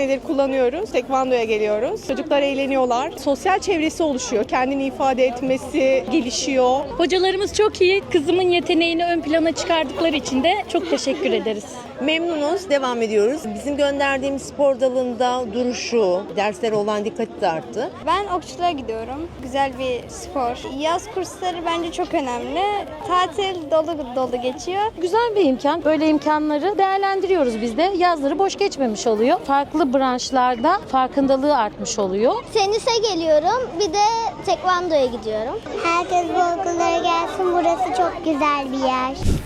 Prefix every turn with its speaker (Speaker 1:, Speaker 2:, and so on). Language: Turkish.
Speaker 1: senedir kullanıyoruz. Tekvandoya geliyoruz. Çocuklar eğleniyorlar. Sosyal çevresi oluşuyor. Kendini ifade etmesi gelişiyor.
Speaker 2: Hocalarımız çok iyi. Kızımın yeteneğini ön plana çıkardıkları için de çok teşekkür ederiz.
Speaker 3: Memnunuz, devam ediyoruz. Bizim gönderdiğimiz spor dalında duruşu, derslere olan dikkati de arttı.
Speaker 4: Ben okçuluğa gidiyorum. Güzel bir spor. Yaz kursları bence çok önemli. Tatil dolu dolu geçiyor.
Speaker 5: Güzel bir imkan. Böyle imkanları değerlendiriyoruz biz de. Yazları boş geçmemiş oluyor. Farklı branşlarda farkındalığı artmış oluyor.
Speaker 6: Tenise geliyorum. Bir de tekvandoya gidiyorum. Herkes bu okullara gelsin. Burası çok güzel bir yer.